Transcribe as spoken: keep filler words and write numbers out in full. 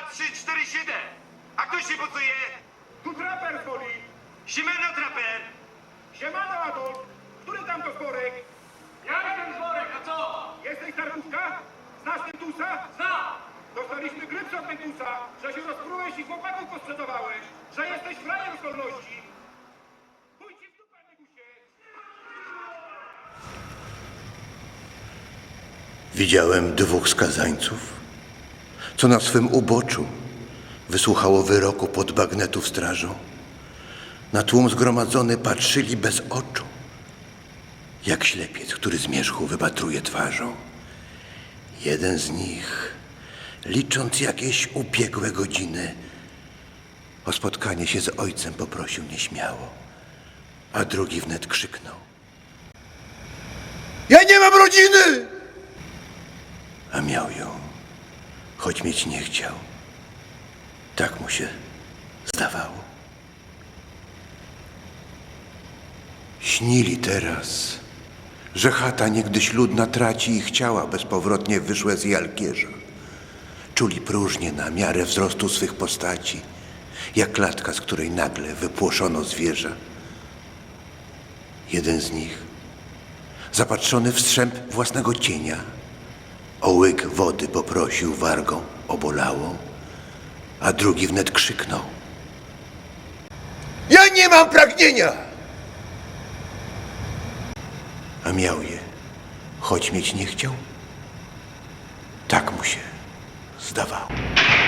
trzy, cztery, siedem. A kto się pocuje? Tu traper z woli. Siemano traper. Siemano, Adolf. Który tam to sporek? Ja jestem Zworek, a co? Jesteś Tartuska? Znasz Tentusa? Znam! Dostaliśmy grypsa od Tentusa, że się rozprułeś i chłopaków posprzedawałeś, że jesteś frajer z wolności. Pójdź ci w dupę, Negusie. Widziałem dwóch skazańców, co na swym uboczu wysłuchało wyroku pod bagnetów strażą. Na tłum zgromadzony patrzyli bez oczu, jak ślepiec, który zmierzchu wypatruje twarzą. Jeden z nich, licząc jakieś ubiegłe godziny, o spotkanie się z ojcem poprosił nieśmiało, a drugi wnet krzyknął: ja nie mam rodziny! A miał ją, choć mieć nie chciał. Tak mu się zdawało. Śnili teraz, że chata niegdyś ludna traci ich ciała bezpowrotnie wyszłe z jalkierza. Czuli próżnię na miarę wzrostu swych postaci, jak klatka, z której nagle wypłoszono zwierza. Jeden z nich, zapatrzony w strzęp własnego cienia, o łyk wody poprosił wargą obolałą, a drugi wnet krzyknął: ja nie mam pragnienia! A miał je, choć mieć nie chciał. Tak mu się zdawało.